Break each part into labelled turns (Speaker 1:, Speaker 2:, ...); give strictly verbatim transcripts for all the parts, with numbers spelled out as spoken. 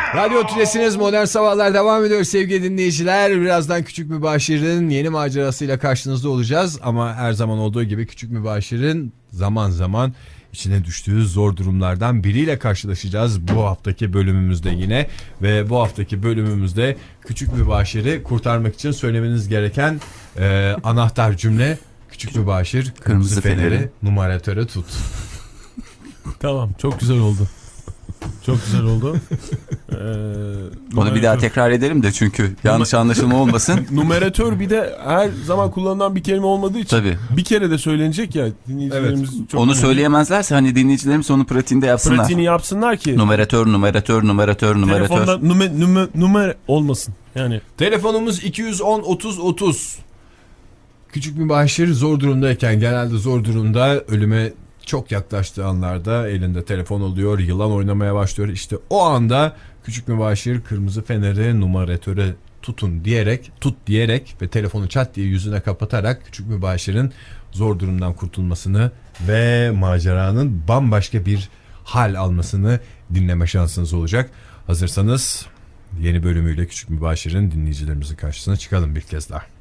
Speaker 1: Radyo Tülesi'niz Modern Sabahlar devam ediyor sevgili dinleyiciler. Birazdan Küçük Mübaşir'in yeni macerasıyla karşınızda olacağız. Ama her zaman olduğu gibi Küçük Mübaşir'in zaman zaman içine düştüğü zor durumlardan biriyle karşılaşacağız bu haftaki bölümümüzde yine. Ve bu haftaki bölümümüzde Küçük Mübaşir'i kurtarmak için söylemeniz gereken e, anahtar cümle: Küçük Mübaşir kırmızı, kırmızı feneri, feneri numaratöre tut.
Speaker 2: Tamam, çok güzel oldu. Çok güzel oldu. Ee,
Speaker 3: Onu bir daha tekrar edelim de çünkü yanlış anlaşılma olmasın.
Speaker 2: Numeratör bir de her zaman kullanılan bir kelime olmadığı için
Speaker 3: Tabii.
Speaker 2: Bir kere de söylenecek ya. Dinleyicilerimiz
Speaker 3: evet.
Speaker 2: çok
Speaker 3: Onu
Speaker 2: önemli.
Speaker 3: Söyleyemezlerse hani dinleyicilerimiz onu pratiğinde yapsınlar.
Speaker 2: Pratiğini yapsınlar ki.
Speaker 3: Numeratör, numeratör, numeratör, numeratör.
Speaker 2: Telefonda nume, nume, numer olmasın. Yani.
Speaker 1: Telefonumuz iki yüz on otuz otuz. Küçük Mübaşir zor durumdayken, genelde zor durumda, ölüme çok yaklaştığı anlarda elinde telefon oluyor, yılan oynamaya başlıyor. İşte o anda Küçük Mübaşir kırmızı feneri numaratöre tutun diyerek, tut diyerek ve telefonu çat diye yüzüne kapatarak Küçük Mübaşir'in zor durumdan kurtulmasını ve maceranın bambaşka bir hal almasını dinleme şansınız olacak. Hazırsanız yeni bölümüyle Küçük Mübaşir'in dinleyicilerimizin karşısına çıkalım bir kez daha.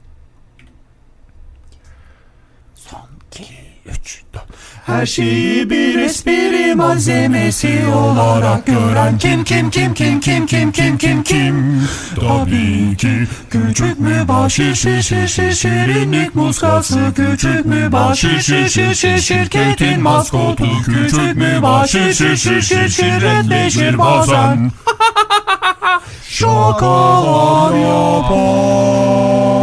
Speaker 3: Son iki, üç, dört.
Speaker 4: Her şeyi bir espri malzemesi olarak gören kim kim kim kim kim kim kim kim kim tabii ki Küçük Mübaşir şir şir şir şirinlik muskası Küçük Mübaşir şir şir şir şirketin maskotu Küçük Mübaşir şir şir şir şirretleşir bazen şakalar yapar.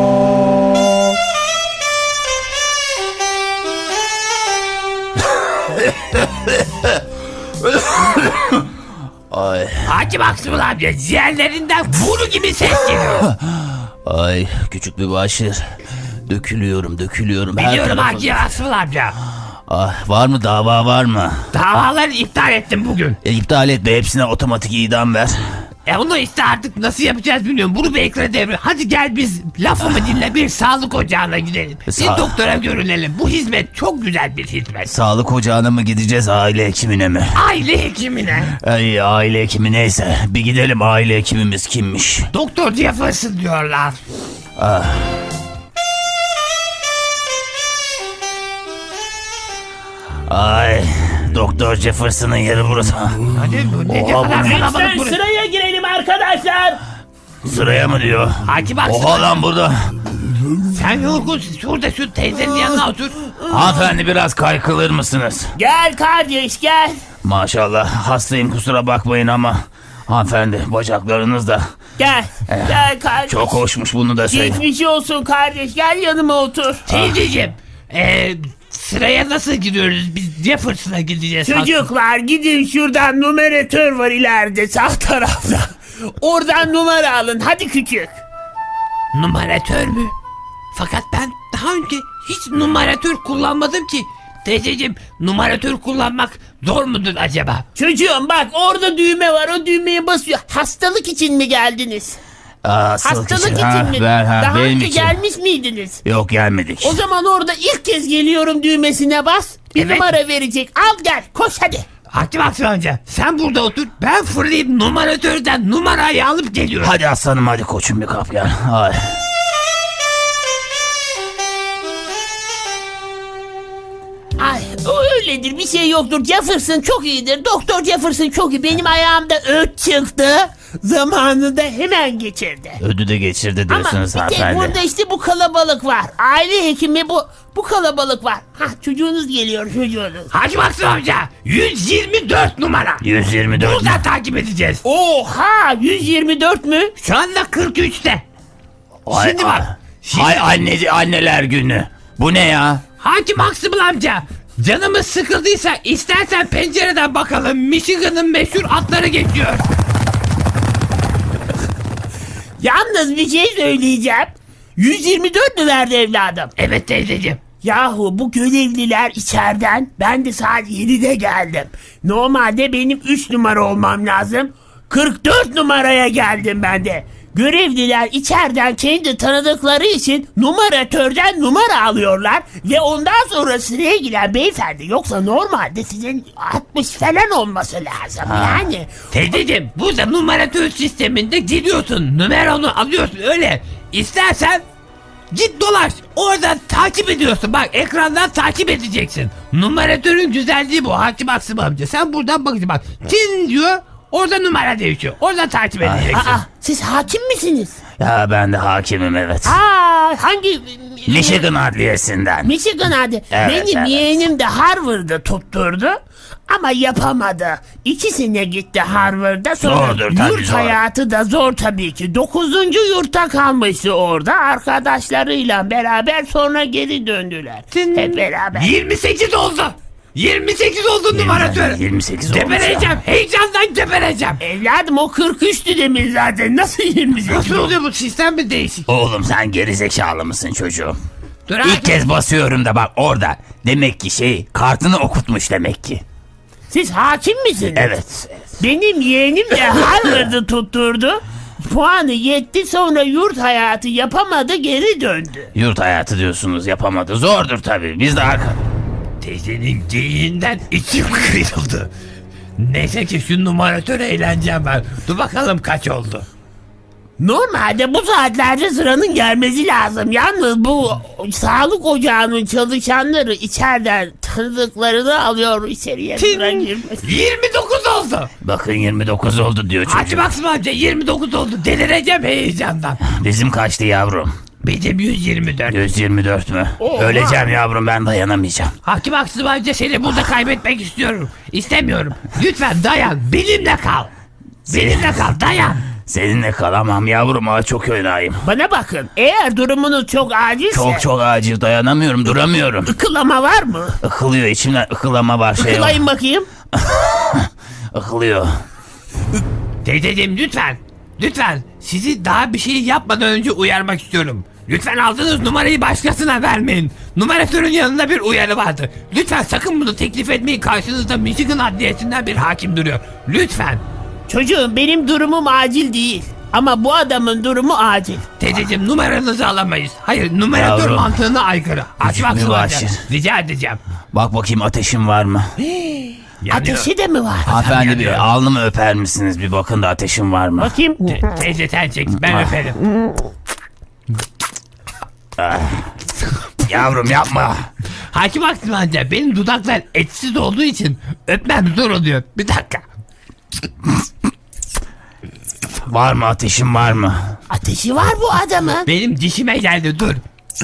Speaker 5: Ay. Hacı Maksimul amca ciğerlerinden vuru gibi ses geliyor.
Speaker 6: Ay Küçük Mübaşir, dökülüyorum dökülüyorum.
Speaker 5: Biliyorum Hacı Maksimul amca.
Speaker 6: Ah, var mı dava var mı?
Speaker 5: Davaları iptal ettim bugün.
Speaker 6: E, iptal etme, hepsine otomatik idam ver.
Speaker 5: E onu işte artık nasıl yapacağız bilmiyorum. Bunu bir ekran devre. Hadi gel biz lafımı dinle, bir sağlık ocağına gidelim. Bir
Speaker 6: Sa-
Speaker 5: doktora görünelim. Bu hizmet çok güzel bir hizmet.
Speaker 6: Sağlık ocağına mı gideceğiz, aile hekimine mi?
Speaker 5: Aile hekimine.
Speaker 6: Ay, aile hekimi neyse. Bir gidelim, aile hekimimiz kimmiş?
Speaker 5: Doktor Jefferson diyorlar.
Speaker 6: Ah. Ay, Doktor Jefferson'ın yeri burası.
Speaker 5: Hadi ne
Speaker 6: Oha,
Speaker 5: kadar
Speaker 6: bu-
Speaker 5: kalabalık
Speaker 7: Lütfen
Speaker 5: burası.
Speaker 7: sıraya girelim arkadaşlar.
Speaker 6: Sıraya mı diyor?
Speaker 5: Hacı Maksimul.
Speaker 6: Oha lan burada.
Speaker 5: Sen yorgunsun. Şurada şu teyzenin yanına otur.
Speaker 6: Hanımefendi, biraz kaykılır mısınız?
Speaker 7: Gel kardeş gel.
Speaker 6: Maşallah, hastayım, kusura bakmayın ama hanımefendi, bacaklarınız da
Speaker 7: Gel. Gel kardeş.
Speaker 6: çok hoşmuş, bunu da söyleyeyim.
Speaker 7: Geçmiş olsun kardeş. Gel yanıma otur.
Speaker 5: Teyzeciğim. Eee sıraya nasıl giriyoruz? Biz Jefferson'a gideceğiz.
Speaker 7: Çocuklar gidin, şuradan numaratör var ileride sağ tarafta. Oradan numara alın. Hadi küçük.
Speaker 5: Numaratör mü? Fakat ben daha önce hiç numaratör kullanmadım ki. Teyzeciğim, numaratör kullanmak zor mudur acaba?
Speaker 7: Çocuğum bak, orada düğme var. O düğmeye basıyor. Hastalık için mi geldiniz?
Speaker 6: Aa,
Speaker 7: Hastalık için,
Speaker 6: ha,
Speaker 7: mi?
Speaker 6: ver, ha,
Speaker 7: Daha
Speaker 6: benim
Speaker 7: önce
Speaker 6: için.
Speaker 7: gelmiş miydiniz?
Speaker 6: Yok, gelmedik.
Speaker 7: O zaman orada ilk kez geliyorum düğmesine bas. Bir
Speaker 5: Evet.
Speaker 7: numara verecek. Al gel. Koş hadi.
Speaker 5: Hacı Maksimul amca, sen burada otur. Ben fırlayıp numaratörden numarayı alıp geliyorum.
Speaker 6: Hadi aslanım, hadi koçum, bir kap gel. Ay.
Speaker 7: Ay, o öyledir, bir şey yoktur. Jefferson çok iyidir. Doktor Jefferson çok iyi. Benim ayağımda öt çıktı. Zamanında hemen geçirdi.
Speaker 6: Ödü de geçirdi
Speaker 7: Ama
Speaker 6: diyorsunuz
Speaker 7: bir tek
Speaker 6: hanımefendi.
Speaker 7: burada işte bu kalabalık var. Aile hekimi bu bu kalabalık var. Hah, çocuğunuz geliyor, çocuğunuz.
Speaker 5: Hacı Maksimul amca, yüz yirmi dört numara.
Speaker 6: yüz yirmi dört.
Speaker 5: Buradan takip edeceğiz.
Speaker 7: Oha, yüz yirmi dört mü?
Speaker 5: Şu anda kırk üçte.
Speaker 6: Ay,
Speaker 5: Şimdi
Speaker 6: ay.
Speaker 5: bak. Şimdi
Speaker 6: Hay anneci, anneler günü. Bu ne ya?
Speaker 5: Hacı Maksimul amca, canımız sıkıldıysa istersen pencereden bakalım. Michigan'ın meşhur atları geçiyor.
Speaker 7: Yalnız bir şey söyleyeceğim. yüz yirmi dört mü verdi evladım?
Speaker 5: Evet teyzeciğim.
Speaker 7: Yahu bu görevliler içeriden, ben de saat yedide geldim. Normalde benim üç numara olmam lazım. kırk dört numaraya geldim ben de. görevliler içeriden kendi tanıdıkları için numaratörden numara alıyorlar ve ondan sonra sıraya giren beyefendi, yoksa normalde sizin altmış falan olması lazım yani.
Speaker 5: Teyzeciğim burada numaratör sisteminde giriyorsun. Numaranı alıyorsun öyle. İstersen git dolaş. Oradan takip ediyorsun. Bak ekrandan takip edeceksin. Numaratörün güzelliği bu. Hakim Aksım amca. Sen buradan bakacaksın. Bak Çin diyor. Orada numara değişiyor. Oradan takip edeceksin.
Speaker 7: Aa, siz hakim misiniz?
Speaker 6: Ya ben de hakimim evet.
Speaker 7: Aa, hangi?
Speaker 6: Michigan Adliyesi'nden.
Speaker 7: Michigan hadi.
Speaker 6: Evet,
Speaker 7: Benim
Speaker 6: evet.
Speaker 7: yeğenim de Harvard'da tutturdu ama yapamadı. İkisine gitti Harvard'da, sonra
Speaker 6: Zordur tabii,
Speaker 7: yurt
Speaker 6: zor.
Speaker 7: hayatı da zor tabii ki. Dokuzuncu yurtta kalmıştı orada arkadaşlarıyla beraber, sonra geri döndüler. Hep beraber.
Speaker 5: yirmi sekiz oldu. yirmi sekiz oldu numaratör.
Speaker 6: yirmi sekiz olmuş ya.
Speaker 5: Gebereceğim. Heyecandan gebereceğim.
Speaker 7: Evladım o kırk üçtü demin zaten, nasıl yirmi sekiz
Speaker 5: Nasıl
Speaker 7: oldu?
Speaker 5: oluyor bu sistem mi değişik?
Speaker 6: Oğlum sen gerizekalı mısın çocuğum?
Speaker 5: Dur
Speaker 6: İlk kez basıyorum da bak orada. Demek ki şey kartını okutmuş demek ki.
Speaker 7: Siz hakim misiniz?
Speaker 6: Evet.
Speaker 7: Benim yeğenim de Harvard'ı tutturdu. Puanı yetti, sonra yurt hayatı yapamadı, geri döndü.
Speaker 6: Yurt hayatı diyorsunuz yapamadı. Zordur tabii. Biz de arka...
Speaker 5: Teyzenin geyiğinden içim kıyıldı. Neyse ki şu numaratör eğleneceğim ben. Dur bakalım kaç oldu.
Speaker 7: Normalde bu saatlerde sıranın gelmesi lazım. Yalnız bu sağlık ocağının çalışanları içeriden tanıdıklarını alıyor içeriye, sıra girmesi.
Speaker 5: yirmi dokuz oldu.
Speaker 6: Bakın yirmi dokuz oldu diyor
Speaker 5: Hacı
Speaker 6: çocuk.
Speaker 5: Baksım amca yirmi dokuz oldu. Delireceğim heyecandan.
Speaker 6: Bizim kaçtı yavrum?
Speaker 5: Benim yüz yirmi dört.
Speaker 6: yüz yirmi dört mü?
Speaker 7: Oha.
Speaker 6: Öleceğim yavrum, ben dayanamayacağım.
Speaker 5: Hakim Aksım amca seni burada kaybetmek istiyorum. İstemiyorum. Lütfen dayan. Benimle kal. Benimle kal. Dayan.
Speaker 6: Seninle kalamam yavrum, ha çok önayım.
Speaker 7: Bana bakın, eğer durumunuz çok acilse
Speaker 6: Çok çok acil, dayanamıyorum, duramıyorum.
Speaker 7: ıkılama var mı?
Speaker 6: Ikılıyor içimden, ıkılama var, şey var.
Speaker 7: Ikılayın bakayım.
Speaker 6: Ikılıyor.
Speaker 5: Teyzeciğim lütfen. Lütfen. Sizi daha bir şey yapmadan önce uyarmak istiyorum. Lütfen aldığınız numarayı başkasına vermeyin. Numaratörün yanında bir uyarı vardı. Lütfen sakın bunu teklif etmeyin. Karşınızda Michigan Adliyesi'nden bir hakim duruyor. Lütfen.
Speaker 7: Çocuğum, benim durumum acil değil. Ama bu adamın durumu acil.
Speaker 5: Teyzeciğim numaranızı alamayız. Hayır, numaratör
Speaker 6: Yavrum.
Speaker 5: mantığına aykırı. Açmak
Speaker 6: mübaşir.
Speaker 5: zorunda. Rica edeceğim.
Speaker 6: Bak bakayım ateşim var mı?
Speaker 5: Yanıyor.
Speaker 7: Ateşi de mi var?
Speaker 6: Hanımefendi
Speaker 5: yanıyor.
Speaker 6: bir alnımı öper misiniz? Bir bakın da ateşim var mı?
Speaker 7: Bakayım.
Speaker 5: Te- teyze sen çek. Ben öperim.
Speaker 6: Yavrum yapma.
Speaker 5: Hakim Aksım amca benim dudaklar etsiz olduğu için öpmem zor oluyor. Bir dakika.
Speaker 6: Var mı, ateşim var mı?
Speaker 7: Ateşi var bu adamın.
Speaker 5: Benim dişime geldi dur.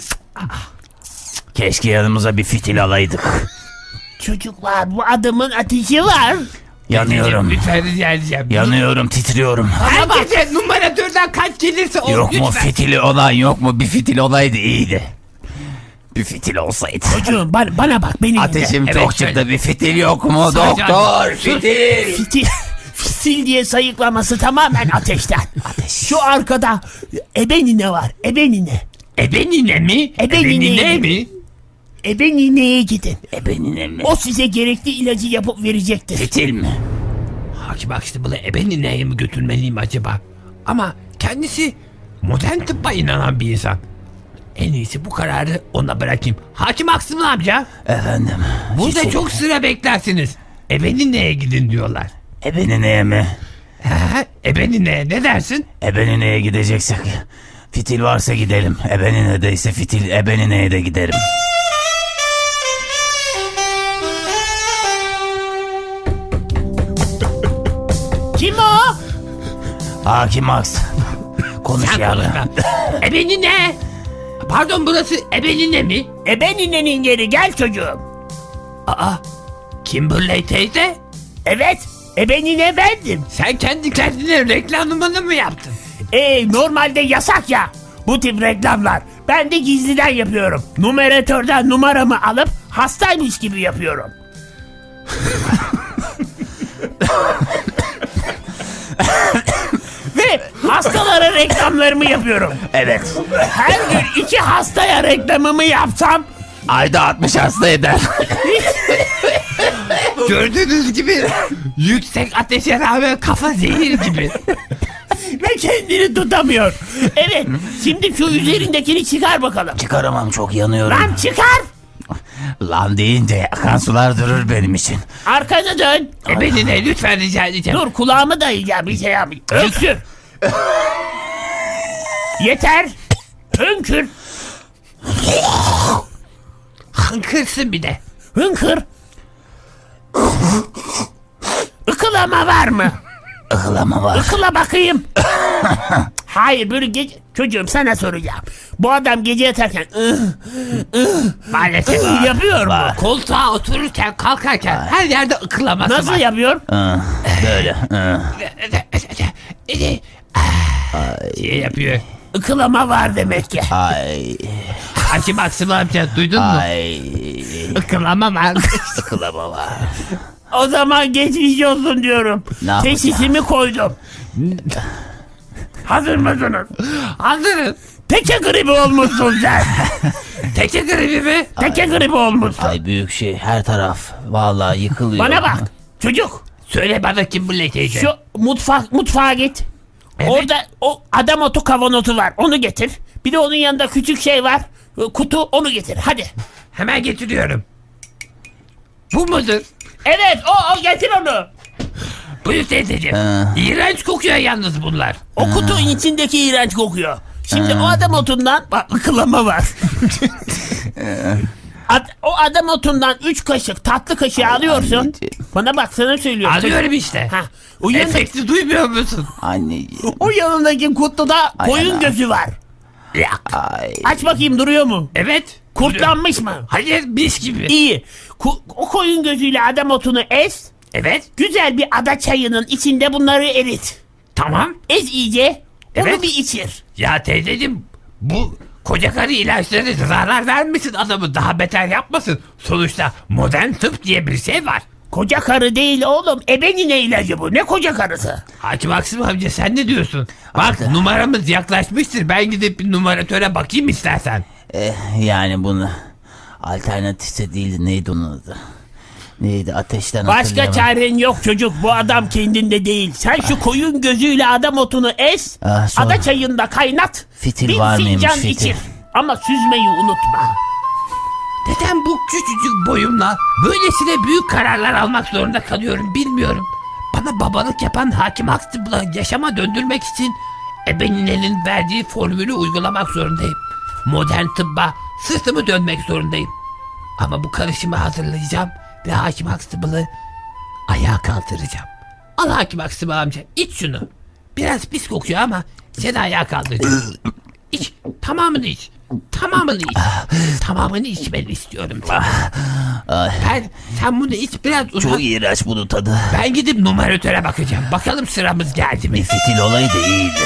Speaker 6: Keşke yanımıza bir fitil alaydık.
Speaker 7: Çocuklar, bu adamın ateşi var.
Speaker 6: Yanıyorum.
Speaker 5: Lütfen rica edeceğim.
Speaker 6: Yanıyorum, titriyorum.
Speaker 5: Herkese numaratörden kaç gelirse o
Speaker 6: Yok mu
Speaker 5: lütfen.
Speaker 6: fitili olan, yok mu? Bir fitil olaydı iyiydi. Bir fitil olsaydı.
Speaker 7: Çocuğum bana, bana bak, beni dinle.
Speaker 6: Ateşim
Speaker 5: Evet,
Speaker 6: çok
Speaker 5: şöyle.
Speaker 6: çıktı, bir fitil yok mu?
Speaker 5: Sadece
Speaker 6: Doktor,
Speaker 5: ateş.
Speaker 6: fitil.
Speaker 7: Fitil, fitil diye sayıklaması tamamen ateşten.
Speaker 6: Ateş.
Speaker 7: Şu arkada ebenine var, ebenine.
Speaker 5: Ebenine mi?
Speaker 7: Ebenine
Speaker 5: Ebenine
Speaker 7: mi?
Speaker 5: mi?
Speaker 7: Ebenineye gidin.
Speaker 6: Ebenine mi?
Speaker 7: O size gerekli ilacı yapıp verecektir.
Speaker 6: Fitil mi?
Speaker 5: Hakim Aksım bunu ebenineye mi götürmeliyim acaba? Ama kendisi modern tıbba inanan bir insan. En iyisi bu kararı ona bırakayım. Hakim Aksım amca,
Speaker 6: Efendim.
Speaker 5: burada
Speaker 6: fitil.
Speaker 5: çok sıra beklersiniz. Ebenineye gidin diyorlar.
Speaker 6: Ebenineye mi?
Speaker 5: He, ebenineye ne dersin?
Speaker 6: Ebenineye gideceksek. Fitil varsa gidelim. Ebenine ise fitil, ebenineye de giderim.
Speaker 7: Kim o?
Speaker 6: Hakim Aks. Konuş
Speaker 5: Sen
Speaker 6: yavrum.
Speaker 5: konuşma. Ebenine. Pardon burası ebenine mi?
Speaker 7: Ebeninenin yeri, gel çocuğum.
Speaker 5: Aa, Kimberley teyze.
Speaker 7: Evet, ebenine bendim.
Speaker 5: Sen kendi kendine reklamını mı yaptın?
Speaker 7: Ee, normalde yasak ya bu tip reklamlar. Ben de gizliden yapıyorum. Numaratörden numaramı alıp hastaymış gibi yapıyorum. Ve hastalara reklamlarımı yapıyorum.
Speaker 6: Evet.
Speaker 7: Her gün iki hastaya reklamımı yapsam
Speaker 6: Ayda altmış hasta eder.
Speaker 5: Gördüğünüz gibi yüksek ateşe rağmen kafa zehir gibi.
Speaker 7: ve kendini tutamıyor. Evet, şimdi şu üzerindekini çıkar bakalım.
Speaker 6: Çıkaramam, çok yanıyorum.
Speaker 7: Lan çıkar.
Speaker 6: Lan deyince akan sular durur benim için.
Speaker 7: Arkanı dön.
Speaker 5: Ebenine lütfen rica edeceğim.
Speaker 7: Dur kulağımı dayayacağım bir şey yapayım. Öksür. Yeter. Hönkür.
Speaker 5: Hınkırsın bir de.
Speaker 7: Hınkır. Ikılama var mı?
Speaker 6: Ihılama var.
Speaker 7: Ikıla bakayım. Hayır böyle gece... Çocuğum sana soracağım. Bu adam gece yatarken ıh,
Speaker 5: Maalesef.
Speaker 7: ıh yapıyor mu?
Speaker 5: Koltuğa otururken kalkarken her yerde ıkılaması
Speaker 7: Nasıl
Speaker 5: var.
Speaker 7: yapıyor?
Speaker 6: Hı, böyle. Hı.
Speaker 5: Şey yapıyor.
Speaker 7: Ikılama var demek ki.
Speaker 6: Ay.
Speaker 5: Hakim Aksım amca duydun mu?
Speaker 6: Ay.
Speaker 5: Ikılama var.
Speaker 6: Ikılama var.
Speaker 7: O zaman geçmiş olsun diyorum.
Speaker 6: Ne yapacağız?
Speaker 7: Teşhisimi koydum. Hazır mısınız?
Speaker 5: Hazırız.
Speaker 7: Teke gribi olmuşsun sen.
Speaker 5: Teke gribi mi?
Speaker 7: Teke gribi olmuşsun.
Speaker 6: Ay büyük şey, her taraf vallahi yıkılıyor.
Speaker 7: Bana bak çocuk.
Speaker 5: Söyle bana kim bu lekeydi?
Speaker 7: Şu mutfak mutfağa git.
Speaker 5: Evet.
Speaker 7: Orada o adam otu kavanozu var. Onu getir. Bir de onun yanında küçük şey var. Kutu, onu getir. Hadi.
Speaker 5: Hemen getiriyorum. Bu mudur?
Speaker 7: Evet o, o getir onu.
Speaker 5: Buyur teyzeciğim. İğrenç kokuyor yalnız bunlar.
Speaker 7: O kutunun içindeki iğrenç kokuyor. Şimdi o adam otundan bak ıkılama var. Ad- o adam otundan üç kaşık tatlı kaşığı alıyorsun.
Speaker 6: anneciğim.
Speaker 7: Bana bak sana söylüyorum.
Speaker 5: Alıyorum işte.
Speaker 7: Ha, o, yanında,
Speaker 5: Efekti duymuyor musun?
Speaker 6: Anneciğim.
Speaker 7: o yanındaki kutuda
Speaker 6: Ay
Speaker 7: koyun
Speaker 6: ana.
Speaker 7: gözü var.
Speaker 6: Ay.
Speaker 7: Aç bakayım duruyor mu?
Speaker 5: Evet.
Speaker 7: Kurtlanmış mı?
Speaker 5: Hayır mis gibi.
Speaker 7: İyi. Ku- o koyun gözüyle adam otunu ez.
Speaker 5: Evet.
Speaker 7: Güzel bir ada çayının içinde bunları erit.
Speaker 5: Tamam.
Speaker 7: Ez iyice. Onu
Speaker 5: Evet.
Speaker 7: bir içir.
Speaker 5: Ya teyzeciğim bu koca karı ilaçları zarar vermesin adamı daha beter yapmasın. Sonuçta modern tıp diye bir şey var.
Speaker 7: Koca karı değil oğlum. Ebenine ilacı bu. Ne koca karısı?
Speaker 5: Hakim Aksım amca sen ne diyorsun? Bak numaramız yaklaşmıştır. Ben gidip bir numaratöre bakayım istersen.
Speaker 6: Eh, yani bunu alternatifse değildi, neydi onun adı? Neydi, ateşten
Speaker 7: Başka
Speaker 6: hatırlayamadım.
Speaker 7: çaren yok çocuk. Bu adam kendinde değil. Sen şu koyun gözüyle adam otunu ez.
Speaker 6: Ah, sonra-
Speaker 7: Ada çayında kaynat.
Speaker 6: Fitil
Speaker 7: bir
Speaker 6: var mıymış,
Speaker 7: fincan
Speaker 6: fitil?
Speaker 7: içir. Ama süzmeyi unutma.
Speaker 5: Neden bu küçücük boyumla böylesine büyük kararlar almak zorunda kalıyorum bilmiyorum. Bana babalık yapan Hakim Aksım'la yaşama döndürmek için ebeninenin verdiği formülü uygulamak zorundayım. Modern tıbba sırtımı dönmek zorundayım. Ama bu karışımı hazırlayacağım ve Hakim Aksım'ı ayağa kaldıracağım. Al Hakim Aksım amca iç şunu. Biraz pis kokuyor ama seni ayağa kaldıracağım. İç tamamını iç. Tamamını iç. Tamamını içmeni istiyorum.
Speaker 6: Ay,
Speaker 5: Ben sen bunu iç biraz uzak.
Speaker 6: çok iğrenç bunun tadı.
Speaker 5: Ben gidip numaratöre bakacağım. Bakalım sıramız geldi mi?
Speaker 6: Bir fitil olaydı iyiydi.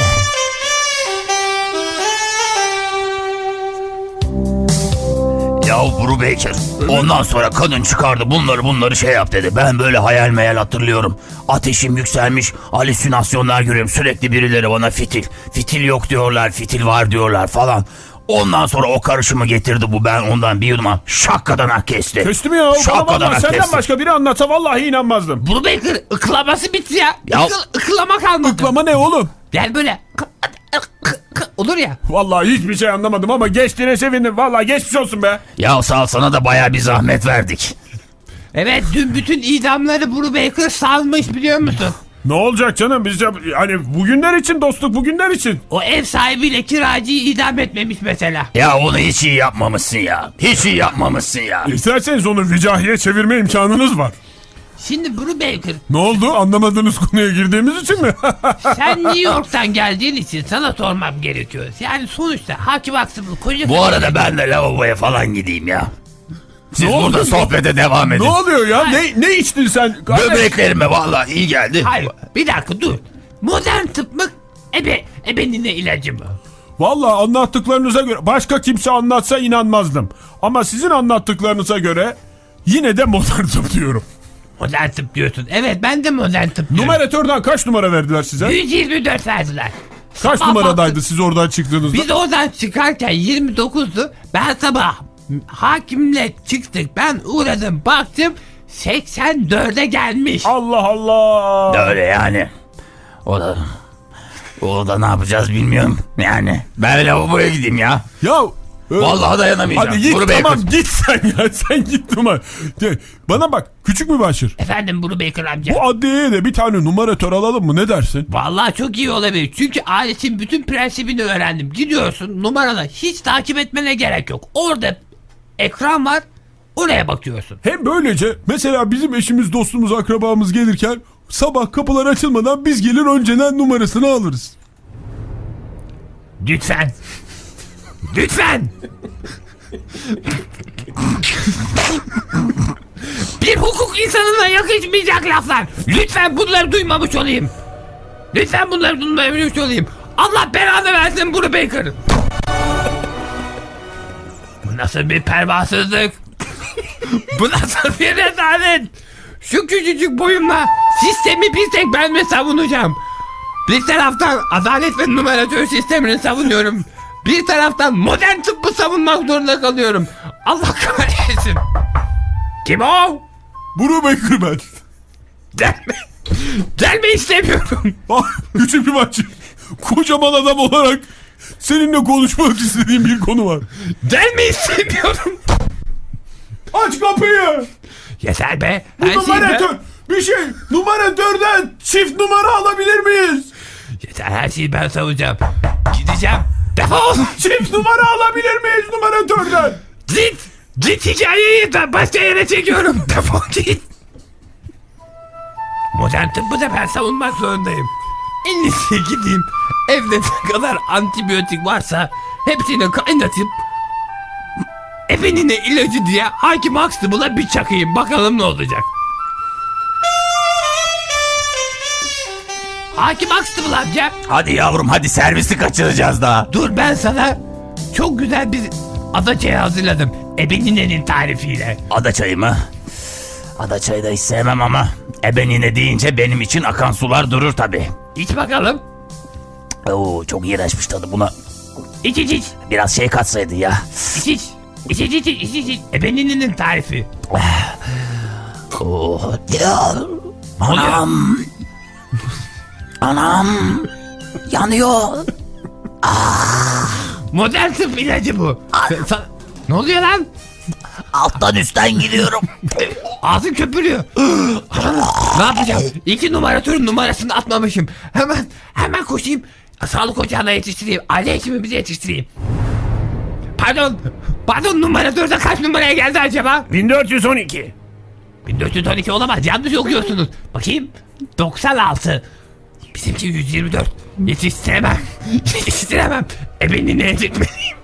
Speaker 6: Ya Buru Baker, ondan sonra kadın çıkardı bunları bunları şey yap dedi. Ben böyle hayal meyal hatırlıyorum. Ateşim yükselmiş, halüsinasyonlar görüyorum. Sürekli birileri bana fitil, fitil yok diyorlar, fitil var diyorlar falan. Ondan sonra o karışımı getirdi bu, ben ondan bir yuduma şakkadan hak kesti.
Speaker 4: Kestim ya. Bana
Speaker 6: Şapkadan
Speaker 4: vallahi senden
Speaker 6: kestim.
Speaker 4: başka biri anlatsa vallahi inanmazdım.
Speaker 5: Bunu Baker ıklaması bitti ya.
Speaker 6: Ya-
Speaker 5: Ikıl, ıklama kalmadı.
Speaker 4: Iklama ne oğlum?
Speaker 5: Yani böyle olur ya.
Speaker 4: Vallahi hiçbir şey anlamadım ama geçtiğine sevindim. Vallahi geçmiş olsun be.
Speaker 6: Ya sağ ol, sana da baya bir zahmet verdik.
Speaker 5: Evet dün bütün idamları Buru Baker salmış biliyor musun?
Speaker 4: Ne olacak canım? Biz de hani bugünler için dostluk bugünler için.
Speaker 5: O ev sahibiyle kiracıyı idam etmemiş mesela.
Speaker 6: Ya onu hiç iyi yapmamışsın ya. Hiç iyi yapmamışsın ya.
Speaker 4: İsterseniz onu vicahiye çevirme imkanınız var.
Speaker 5: Şimdi Buru Baker
Speaker 4: Ne oldu? Anlamadığınız konuya girdiğimiz için mi?
Speaker 5: sen New York'tan geldiğin için sana sormam gerekiyor. Yani sonuçta Hakim Aksım'ın koca
Speaker 6: Bu arada ben de lavaboya falan gideyim ya. Siz
Speaker 4: Ne
Speaker 6: burada
Speaker 4: oldu?
Speaker 6: sohbete devam edin.
Speaker 4: Ne oluyor ya? Ne ne içtin sen? Kardeş?
Speaker 6: Böbreklerime vallahi iyi geldi.
Speaker 5: Hayır bir dakika dur. Modern tıp mı? Ebe, ebenine ilacı mı?
Speaker 4: Vallahi anlattıklarınıza göre başka kimse anlatsa inanmazdım. Ama sizin anlattıklarınıza göre yine de modern tıp diyorum.
Speaker 5: Modern tıp diyorsun. Evet ben de modern tıp diyorum.
Speaker 4: Numaratörden kaç numara verdiler size?
Speaker 5: yüz yirmi dört verdiler.
Speaker 4: Kaç
Speaker 5: Sabah
Speaker 4: numaradaydı
Speaker 5: baktım,
Speaker 4: siz oradan çıktığınızda?
Speaker 5: Biz oradan çıkarken yirmi dokuzdu. Ben sabah hakimle çıktık. Ben uğradım baktım seksen dörde gelmiş.
Speaker 4: Allah Allah.
Speaker 6: Öyle yani. O da O da ne yapacağız bilmiyorum. Yani ben lavaboya gideyim ya.
Speaker 2: Ya e,
Speaker 6: Vallahi dayanamayacağım.
Speaker 2: hadi git
Speaker 6: Buru Baker.
Speaker 2: tamam git sen ya sen git numara. De, bana bak küçük mübaşir.
Speaker 5: Efendim Buru Baker amca.
Speaker 2: Bu adliyeye de bir tane numaratör alalım mı ne dersin?
Speaker 5: Vallahi çok iyi olabilir. Çünkü aletin bütün prensibini öğrendim. Gidiyorsun numarana hiç takip etmene gerek yok. Orada ekran var. Oraya bakıyorsun.
Speaker 2: Hem böylece mesela bizim eşimiz, dostumuz, akrabamız gelirken sabah kapılar açılmadan biz gelir önceden numarasını alırız.
Speaker 5: Lütfen. Lütfen. Bir hukuk insanına yakışmayacak laflar. Lütfen bunları duymamış olayım. Lütfen bunları duymamış olayım. Allah belanı versin Buru Baker. Bu nasıl bir pervasızlık? Bu nasıl bir rezalet? Şu küçücük boyumla sistemi bir tek ben mi savunacağım? Bir taraftan adalet ve numaratör sistemini savunuyorum. Bir taraftan modern tıbbı savunmak zorunda kalıyorum. Allah kahretsin. Kim o?
Speaker 2: Buru Baker ben.
Speaker 5: Gelme. Gelme istemiyorum.
Speaker 2: Ah, küçük mübaşir. Kocaman adam olarak seninle konuşmak istediğim bir konu var.
Speaker 5: Gelme istemiyorum.
Speaker 2: Aç kapıyı.
Speaker 5: Yeter be.
Speaker 2: Bu
Speaker 5: Her şeyi
Speaker 2: numaratör.
Speaker 5: ben...
Speaker 2: Bir şey numaratörden çift numara alabilir miyiz?
Speaker 5: Yeter her şeyi ben savunacağım. Gideceğim. Defol.
Speaker 2: Çift numara alabilir miyiz numaratörden?
Speaker 5: Git. Git hikayeyi de başka yere çekiyorum. Defol git. Modern tıbbı da ben savunmak zorundayım. En iyisi gideyim. Evde ne kadar antibiyotik varsa hepsini kaynatıp efendine ilacı diye Hakim Huxtable'a bir çakayım. Bakalım ne olacak. Hakim Huxtable amca.
Speaker 6: Hadi yavrum hadi servisi kaçıracağız daha.
Speaker 5: Dur ben sana çok güzel bir adaçayı hazırladım. Ebenine'nin tarifiyle.
Speaker 6: Ada çayı mı? Ada çayı da hiç sevmem ama ebenine deyince benim için akan sular durur tabi.
Speaker 5: İç bakalım.
Speaker 6: Oo çok iğrençmiş tadı buna.
Speaker 5: İç iç iç.
Speaker 6: Biraz şey katsaydı ya.
Speaker 5: İç iç. İç iç iç iç iç iç. Ebenine'nin tarifi.
Speaker 6: Oo. Ya. Anam. Anam. Yanıyor.
Speaker 5: Modern tıp ilacı bu. Sen- sen- ne oluyor lan?
Speaker 6: Alttan üstten gidiyorum.
Speaker 5: Ağzın köpürüyor. Ne yapacağım? İki numaratörün numarasını atmamışım. Hemen hemen koşayım. Sağlık ocağına yetiştireyim. Aile hekimimize yetiştireyim. Pardon. Pardon numaratörde kaç numaraya geldi acaba?
Speaker 7: bin dört yüz on iki.
Speaker 5: bin dört yüz on iki olamaz. Yanlış okuyorsunuz. Bakayım. doksan altı. Bizimki yüz yirmi dört. Yetiştiremem. Yetiştiremem. Ebenine yetişmeliyim.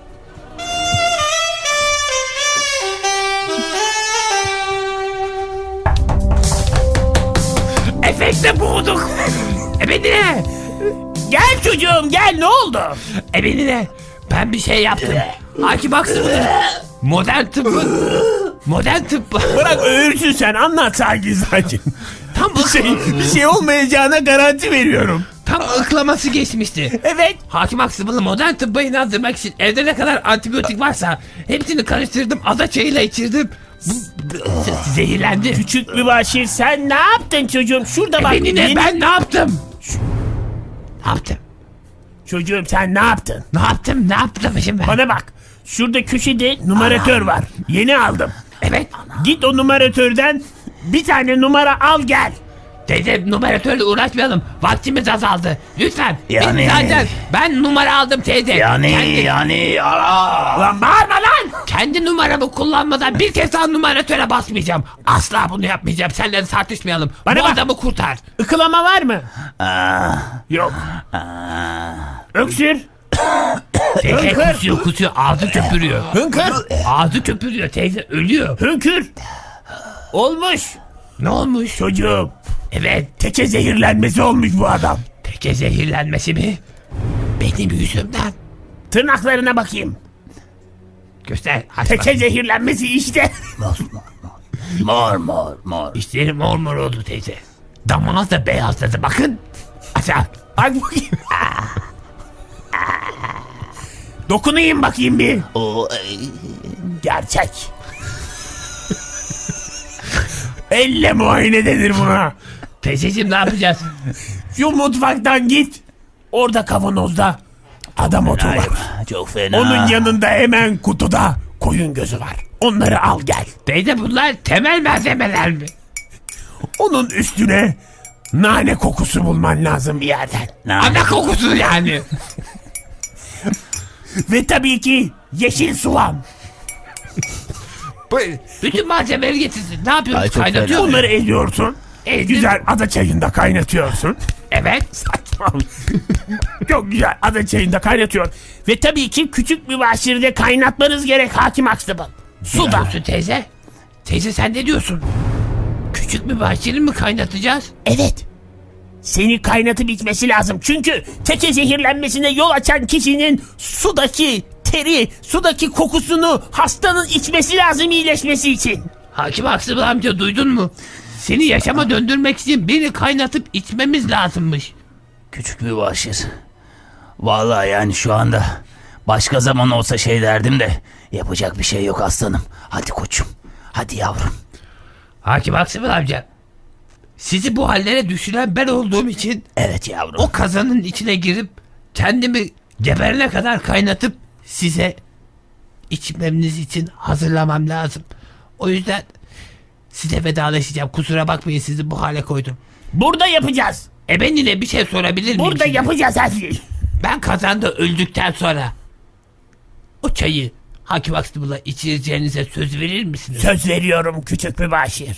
Speaker 5: Efekte bulduk. Ebenine.
Speaker 7: Gel çocuğum gel ne oldu?
Speaker 5: Ebenine. Ben bir şey yaptım. Hakim Huxtable'ın modern tıbbı. Modern tıbbı.
Speaker 7: Bırak öğürsün sen anlat sakin sakin.
Speaker 5: Tam
Speaker 7: Bir şey, bir şey olmayacağına garanti veriyorum.
Speaker 5: Tam ıklaması geçmişti.
Speaker 7: Evet.
Speaker 5: Hakim Huxtable'ı modern tıbba inandırmak için evde ne kadar antibiyotik varsa hepsini karıştırdım. Ada çayıyla içirdim. Bu, bu- zehirlendi.
Speaker 7: Küçük mübaşir sen ne yaptın çocuğum? Şurada bak.
Speaker 5: Benine
Speaker 7: yeni-
Speaker 5: ben ne yaptım? Ne yaptım?
Speaker 7: Çocuğum sen ne yaptın?
Speaker 5: Ne yaptım? Ne yaptım şimdi ben?
Speaker 7: Bana bak. Şurada köşede numaratör var. Yeni aldım.
Speaker 5: Evet.
Speaker 7: Git o numaratörden bir tane numara al gel.
Speaker 5: Teyze numaratörle uğraşmayalım. Vaktimiz azaldı. Lütfen.
Speaker 6: Yani-
Speaker 5: Benim zaten ben numara aldım teyze.
Speaker 6: Yani
Speaker 5: Kendi,
Speaker 6: yani ara.
Speaker 7: Lan bağırma lan.
Speaker 5: kendi numaramı kullanmadan bir kez daha numaratöre basmayacağım. Asla bunu yapmayacağım. Seninle tartışmayalım.
Speaker 7: Bana
Speaker 5: Bu
Speaker 7: bak.
Speaker 5: adamı kurtar.
Speaker 7: Ikılama var mı?
Speaker 6: Aa,
Speaker 7: Yok.
Speaker 6: aa.
Speaker 7: Öksür.
Speaker 5: Teyze
Speaker 7: Hınkır.
Speaker 5: kusuyor kusuyor. Ağzı köpürüyor.
Speaker 7: Hınkır.
Speaker 5: Ağzı köpürüyor teyze. Ölüyor.
Speaker 7: Hınkır. Olmuş.
Speaker 5: Ne olmuş?
Speaker 7: Çocuğum.
Speaker 5: Evet.
Speaker 7: Teke zehirlenmesi olmuş bu adam.
Speaker 5: Teke zehirlenmesi mi? Benim yüzümden.
Speaker 7: Tırnaklarına bakayım.
Speaker 5: Göster. Aç
Speaker 7: Teke
Speaker 5: bakayım.
Speaker 7: zehirlenmesi işte.
Speaker 6: Mor mor mor.
Speaker 5: İşleri mor mor oldu teyze. Damağız da beyazladı. Bakın. Aç aç.
Speaker 7: Bak bakayım. Dokunayım bakayım bir.
Speaker 6: O, ay.
Speaker 7: Gerçek. Elle muayene denir buna.
Speaker 5: Teyzeciğim ne yapacağız?
Speaker 7: Şu mutfaktan git. Orada kavanozda adam otu var.
Speaker 6: Çok fena.
Speaker 7: Onun yanında hemen kutuda koyun gözü var. Onları al gel.
Speaker 5: Teyze bunlar temel malzemeler mi?
Speaker 7: Onun üstüne nane kokusu bulman lazım bir yerden.
Speaker 5: Ana kokusu yani.
Speaker 7: Ve tabii ki yeşil soğan.
Speaker 5: Bütün malzemeleri getirsin. Ne yapıyorsun?
Speaker 6: Ay, çok
Speaker 5: Kaynatıyor
Speaker 6: fena.
Speaker 5: musun?
Speaker 7: Bunları ediyorsun.
Speaker 5: Ezdim.
Speaker 7: Güzel ada çayında kaynatıyorsun.
Speaker 5: Evet.
Speaker 7: Çok güzel ada çayında kaynatıyor. Ve tabii ki küçük bir başirde kaynatmanız gerek Hakim Akstabal. Suda.
Speaker 5: Diyorsun teyze. Teyze sen ne diyorsun? Küçük bir bahçeli mi kaynatacağız?
Speaker 7: Evet. Seni kaynatıp içmesi lazım. Çünkü teke zehirlenmesine yol açan kişinin sudaki teri, sudaki kokusunu hastanın içmesi lazım iyileşmesi için.
Speaker 5: Hakim Aksıbıl amca duydun mu? Seni yaşama döndürmek için beni kaynatıp içmemiz lazımmış.
Speaker 6: Küçük bir başır. Vallahi yani şu anda başka zaman olsa şey derdim de yapacak bir şey yok aslanım. Hadi koçum. Hadi yavrum.
Speaker 5: Hakim Aksıbıl amca. Sizi bu hallere düşüren ben olduğum için
Speaker 6: Evet yavrum.
Speaker 5: o kazanın içine girip kendimi geberene kadar kaynatıp size içmemiz için hazırlamam lazım. O yüzden size vedalaşacağım. Kusura bakmayın sizi bu hale koydum.
Speaker 7: Burada yapacağız.
Speaker 5: E ben yine bir şey sorabilir miyim?
Speaker 7: Burada
Speaker 5: size?
Speaker 7: yapacağız her şeyi.
Speaker 5: Ben kazanda öldükten sonra o çayı Hakim Aksıbıl'a içireceğinize söz verir misiniz?
Speaker 7: Söz veriyorum küçük bir başir.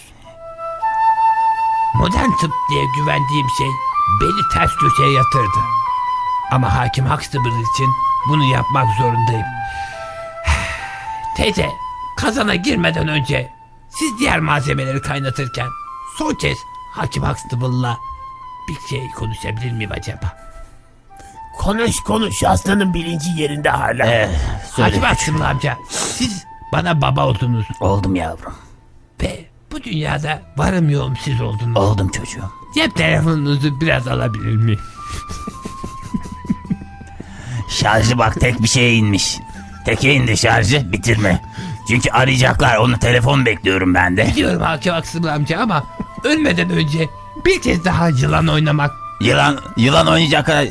Speaker 5: Modern tıp diye güvendiğim şey beni ters köşeye yatırdı. Ama Hakim Huxtable için bunu yapmak zorundayım. Teyze, kazana girmeden önce siz diğer malzemeleri kaynatırken son kez Hakim Huxtable'la bir şey konuşabilir miyim acaba?
Speaker 7: Konuş konuş aslanın bilinci yerinde hala.
Speaker 6: Ee, söyle.
Speaker 5: Hakim Huxtable amca, siz bana baba oldunuz
Speaker 6: Oldum yavrum.
Speaker 5: ve bu dünyada varım yoğum siz oldunuz.
Speaker 6: Oldum çocuğum.
Speaker 5: Cep telefonunuzu biraz alabilir miyim?
Speaker 6: Şarjı bak tek bir şeye inmiş. Teke indi şarjı bitirme. Çünkü arayacaklar onu telefon bekliyorum ben de.
Speaker 5: Biliyorum Hakim Aksıbıl amca ama ölmeden önce bir kez daha yılan oynamak.
Speaker 6: Yılan yılan oynayacak kadar...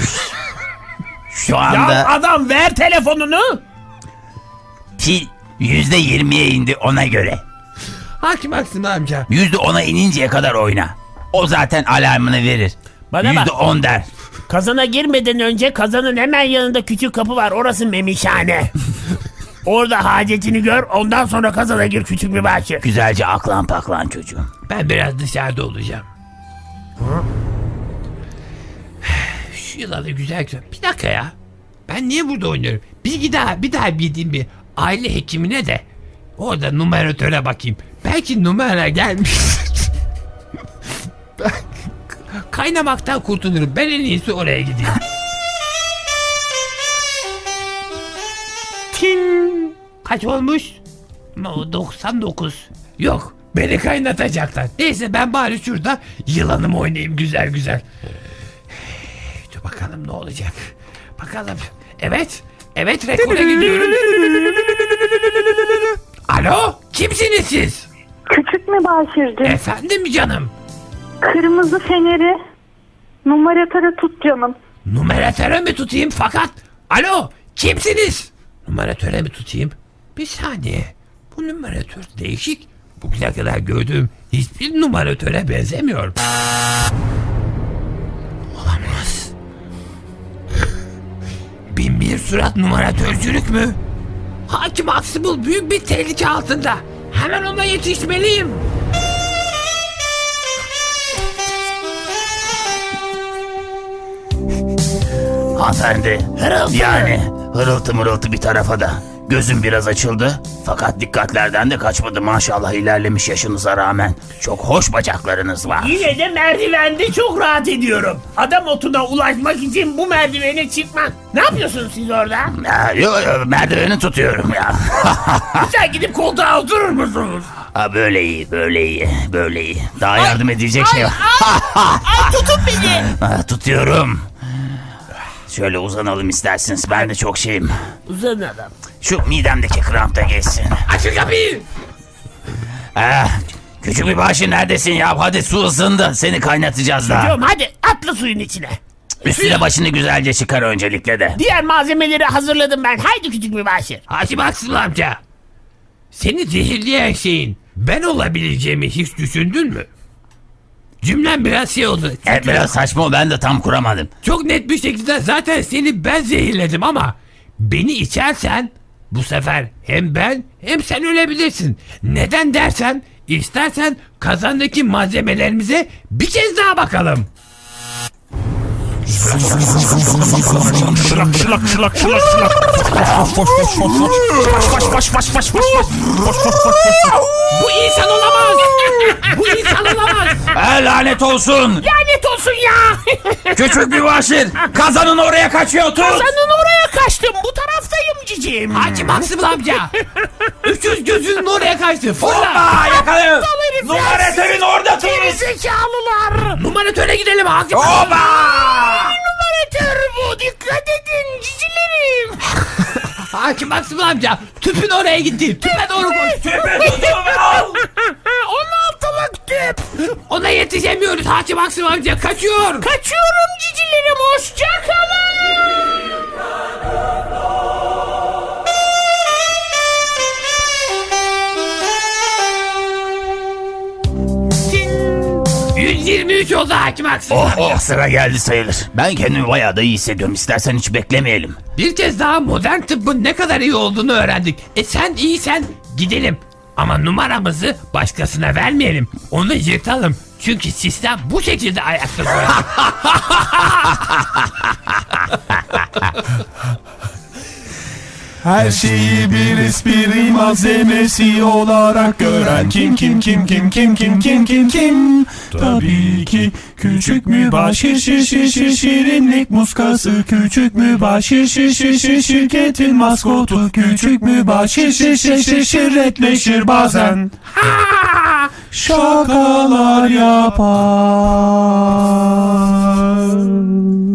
Speaker 6: Şu
Speaker 7: Ya
Speaker 6: anda
Speaker 7: adam ver telefonunu.
Speaker 6: pil yüzde yirmiye indi ona göre.
Speaker 5: Hakim Aksıbıl amca.
Speaker 6: Yüzde ona ininceye kadar oyna. O zaten alarmını verir.
Speaker 7: Bana bak.
Speaker 6: Yüzde on der.
Speaker 7: Kazana girmeden önce kazanın hemen yanında küçük kapı var. Orası memişhane. Orada hacetini gör. Ondan sonra kazana gir küçük bir bahçe.
Speaker 6: Güzelce aklan paklan çocuğum.
Speaker 5: Ben biraz dışarıda olacağım. Şu yılanı güzel güzel. Bir dakika ya. Ben niye burada oynuyorum? Bir daha bir daha gideyim bir aile hekimine de orada numaratöre bakayım. Belki numara gelmiş. Ben kaynamaktan kurtulurum. Ben en iyisi oraya gideyim. Tin. Kaç olmuş? No, doksan dokuz. Yok. Beni kaynatacaklar. Neyse ben bari şurada yılanımı oynayayım güzel güzel. Dur bakalım ne olacak. Bakalım. Evet. Evet rekora gidiyorum. Alo? Kimsiniz siz?
Speaker 8: Küçük mü Başir'cim?
Speaker 5: Efendim canım.
Speaker 8: Kırmızı feneri numaratöre tut canım.
Speaker 5: Numaratöre mi tutayım fakat? Alo? Kimsiniz? Numaratöre mi tutayım? Bir saniye. Bu numaratör değişik. Bugüne kadar gördüğüm hiçbir numaratöre benzemiyor. Olamaz. Bin bir surat numaratörcülük mü? Hakim Aksıbıl büyük bir tehlike altında. Hemen ona yetişmeliyim.
Speaker 6: Hanımefendi.
Speaker 7: Hırıltı.
Speaker 6: Yani hırıltı mırıltı bir tarafa da. Gözüm biraz açıldı. Fakat dikkatlerden de kaçmadı maşallah ilerlemiş yaşınıza rağmen. Çok hoş bacaklarınız var.
Speaker 7: Yine de merdivende çok rahat ediyorum. Adam otuna ulaşmak için bu merdivene çıkmak. Ne yapıyorsunuz siz orada?
Speaker 6: Ya, yo, yo, merdiveni tutuyorum ya.
Speaker 7: Sen gidip koltuğa oturur musunuz?
Speaker 6: Ha, böyle iyi, böyle iyi, böyle iyi. Daha yardım edecek şey var.
Speaker 7: Ay tutun beni.
Speaker 6: Ha, tutuyorum. Şöyle uzanalım isterseniz. Ben de çok şeyim.
Speaker 7: Uzan adam.
Speaker 6: Şu midemdeki kramp da geçsin.
Speaker 5: Açın kapıyı.
Speaker 6: Eh, küçük bir başı neredesin ya? Hadi su ısındı. Seni kaynatacağız daha.
Speaker 7: Diyorum hadi atla suyun içine.
Speaker 6: Üstüne başını güzelce çıkar öncelikle de.
Speaker 7: Diğer malzemeleri hazırladım ben. Haydi küçük mübaşir.
Speaker 5: Hacı Maksım amca. Seni zehirleyen şeyin ben olabileceğimi hiç düşündün mü? Cümlem biraz şey oldu.
Speaker 6: Evet biraz saçma o, ben de tam kuramadım.
Speaker 5: Çok net bir şekilde zaten seni ben zehirledim ama beni içersen bu sefer hem ben hem sen ölebilirsin. Neden dersen istersen kazandaki malzemelerimize bir kez daha bakalım.
Speaker 2: Şılak şılak şılak şılak şılak.
Speaker 5: Bu insan olamaz. Bu insan olamaz.
Speaker 6: Ha, lanet olsun.
Speaker 7: Lanet olsun ya.
Speaker 6: Küçük mübaşir kazanın oraya kaçıyor, tut.
Speaker 7: Kazanın oraya kaçtım. Bu taraftayım cicim.
Speaker 5: Hacı Maksım amca. Üçüz gözünün oraya kaçtı. Fırla.
Speaker 6: Hoppa yakalayın.
Speaker 7: herifler.
Speaker 6: Numaratörün orada tut.
Speaker 7: Gerizekalılar.
Speaker 5: Numaratöre gidelim Hacı Maksım.
Speaker 6: Hoppa.
Speaker 7: Numaratör bu. Dikkat edin cicilerim.
Speaker 5: Hacı Maksım amca tüpün oraya gitti. Tüpe doğru koş.
Speaker 6: Tüpü tutun ve al.
Speaker 7: on altılık tüp.
Speaker 5: Ona yetişemiyoruz Hacı Maksım amca. Kaçıyor.
Speaker 7: Kaçıyorum cicilerim. Hoşça kalın.
Speaker 5: yüz yirmi üç oldu Hacı Maksım
Speaker 6: Oh
Speaker 5: amca.
Speaker 6: oh, sıra geldi sayılır. Ben kendimi bayağı da iyi hissediyorum. İstersen hiç beklemeyelim.
Speaker 5: Bir kez daha modern tıbbın ne kadar iyi olduğunu öğrendik. E sen iyisen gidelim. Ama numaramızı başkasına vermeyelim. Onu yırtalım. Çünkü sistem bu şekilde ayakta duruyor.
Speaker 4: Her şeyi bir espri malzemesi olarak gören kim kim kim kim kim kim kim kim kim Tabii ki küçük mübaşir şir şir şir şirinlik muskası küçük mübaşir şir şir şir şirketin maskotu küçük mübaşir şir şir şir şirretleşir bazen şakalar yapar.